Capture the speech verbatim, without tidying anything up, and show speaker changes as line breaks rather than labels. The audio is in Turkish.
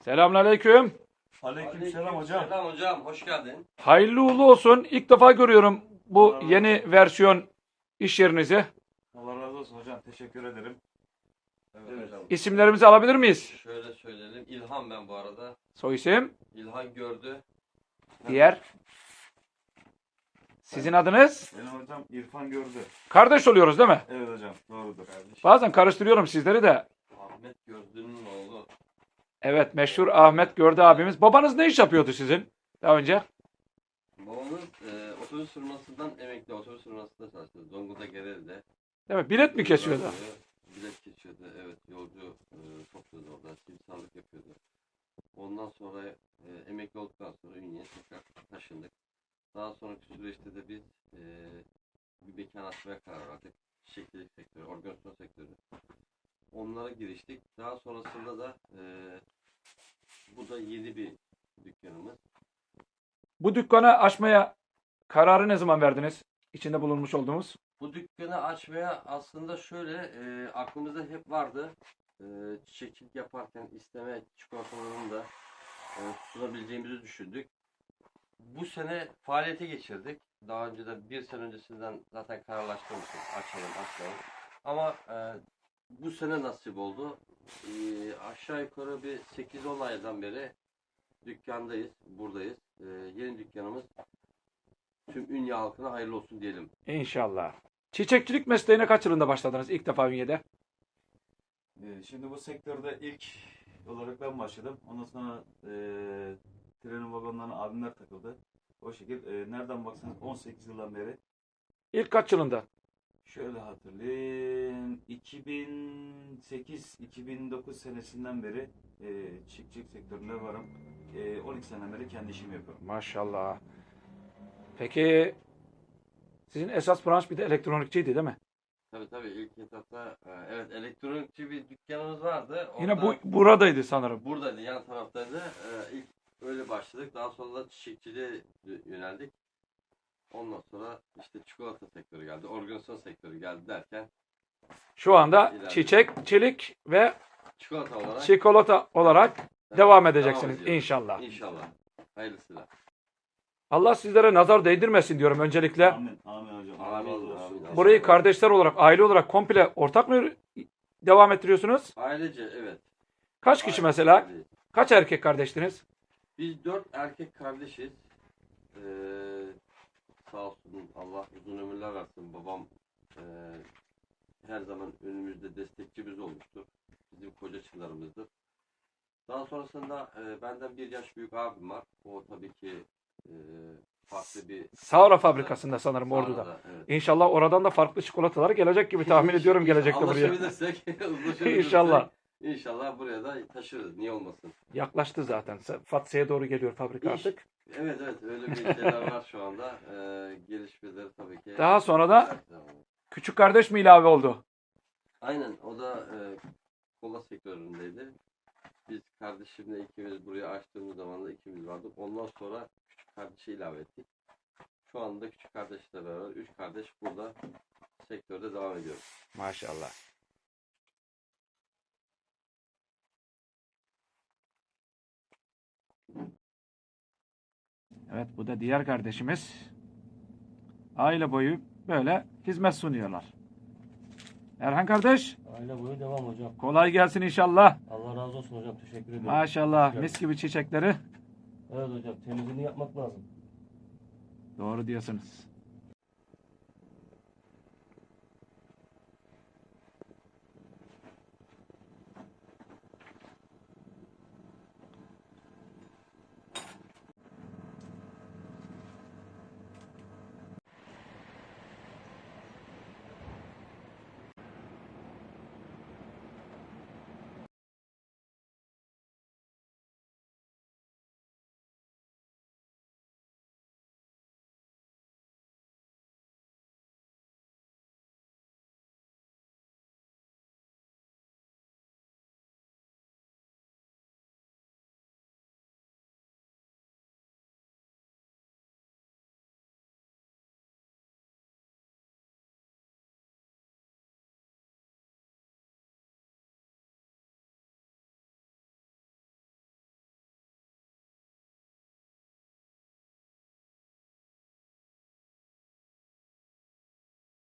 Selamünaleyküm.
Aleykümselam hocam.
Selam hocam, hoş geldin.
Hayırlı uğurlu olsun. İlk defa görüyorum bu
Allah razı
yeni versiyon iş yerinizi.
Allah razı olsun hocam. Teşekkür ederim.
Evet,
Evet.
hocam.
İsimlerimizi alabilir miyiz?
Şöyle söyleyelim, İlhan ben bu arada.
Soy isim,
İlhan gördü.
diğer. Sizin adınız?
Benim hocam İrfan gördü.
Kardeş oluyoruz değil mi?
Evet hocam. Doğrudur.
Kardeşim.
Bazen karıştırıyorum sizleri de.
Ahmet Gördü'nün oğlu.
Evet, meşhur Ahmet Gördü abimiz. Babanız ne iş yapıyordu sizin daha önce?
Babamız e, otobüs firmasından emekli, otobüs firmasında çalıştı. Zonguldak Gereli'de.
Değil mi? Bilet mi kesiyordu?
Bilet kesiyordu, evet. Yolcu e, topluyordu orada, simsarlık yapıyordu. Ondan sonra e, emekli olduktan sonra Ünye'ye tekrar taşındık. Daha sonraki süreçte de biz e, bir mekan açmaya karar verdik. Çiçekçilik sektörü, organizasyon sektörü. Onlara giriştik. Daha sonrasında da e, bu da yeni bir dükkanımız.
Bu dükkanı açmaya kararı ne zaman verdiniz? İçinde bulunmuş olduğumuz.
Bu dükkanı açmaya aslında şöyle e, aklımızda hep vardı. E, çiçekçilik yaparken isteme çikolatalarını da e, sunabileceğimizi düşündük. Bu sene faaliyete geçirdik. Daha önce de bir sene öncesinden zaten kararlaştırmıştık. Açalım, açalım. Ama e, bu sene nasip oldu. E, aşağı yukarı bir sekiz on aydan beri dükkandayız, buradayız. E, yeni dükkanımız tüm Ünye halkına hayırlı olsun diyelim.
İnşallah. Çiçekçilik mesleğine kaç yılında başladınız ilk defa Ünye'de?
Ee, şimdi bu sektörde ilk olarak ben başladım. Ondan sonra e, trenin vagonlarına abimler takıldı. O şekilde e, nereden baksanız on sekiz yıldan beri.
İlk kaç yılında?
Şöyle hatırlayayım. iki bin sekiz iki bin dokuz senesinden beri e, çiftçilik sektöründe varım. E, on iki seneden beri kendi işimi yapıyorum.
Maşallah. Peki sizin esas branş bir de elektronikçiydi değil mi?
Tabii tabii ilk etapta e, evet elektronikçi bir dükkanımız vardı.
Yine bu
Orada-
buradaydı sanırım.
buradaydı, yan taraftaydı. E, ilk öyle başladık. Daha sonra da çiçekçiliğe yöneldik. Ondan sonra işte çikolata sektörü geldi, organizasyon sektörü geldi derken
Şu anda
İleride.
çiçekçilik ve
çikolata olarak
çikolata olarak
evet,
devam edeceksiniz
ediyoruz.
inşallah.
İnşallah. Hayırlısıyla.
Allah sizlere nazar değdirmesin diyorum öncelikle.
Amin. Amin hocam. Allah
Amin,
razı olsun.
amin.
Burayı kardeşler olarak, aile olarak komple ortak mı devam ettiriyorsunuz?
Ailece evet.
Kaç kişi
Aile-
mesela?
aile.
Kaç erkek kardeştiniz?
Biz dört erkek kardeşiz. Ee, sağ olsun Allah uzun ömürler versin. Babam e, her zaman önümüzde destekçimiz olmuştur. Bizim koca çınarımızdır. Daha sonrasında e, benden bir yaş büyük abim var. O tabii ki e, farklı bir...
Sağra fabrikasında sanırım Ordu'da.
Sağra'da, evet.
İnşallah oradan da farklı çikolatalar gelecek gibi tahmin ediyorum gelecekte buraya.
Anlaşabilirsek, uzlaşabilirsek
İnşallah.
İnşallah buraya da taşırız. Niye olmasın?
Yaklaştı zaten. Fatsa'ya doğru geliyor fabrika
İş-
artık.
Evet evet öyle bir şeyler var şu anda. Ee, gelişmeleri tabii ki.
Daha sonra da küçük kardeş mi ilave oldu?
Aynen o da e, kola sektöründeydi. Biz kardeşimle ikimiz buraya açtığımız zaman da ikimiz vardık. Ondan sonra küçük kardeşi ilave ettik. Şu anda küçük kardeşle beraber üç kardeş burada sektörde devam ediyoruz.
Maşallah. Evet, bu da diğer kardeşimiz. Aile boyu böyle hizmet sunuyorlar. Erhan kardeş,
Aile boyu devam hocam.
kolay gelsin inşallah.
Allah razı olsun hocam. Teşekkür ederim.
Maşallah,
Hoş
mis
geldin.
gibi çiçekleri.
Evet hocam. Temizliğini yapmak lazım.
Doğru diyorsunuz.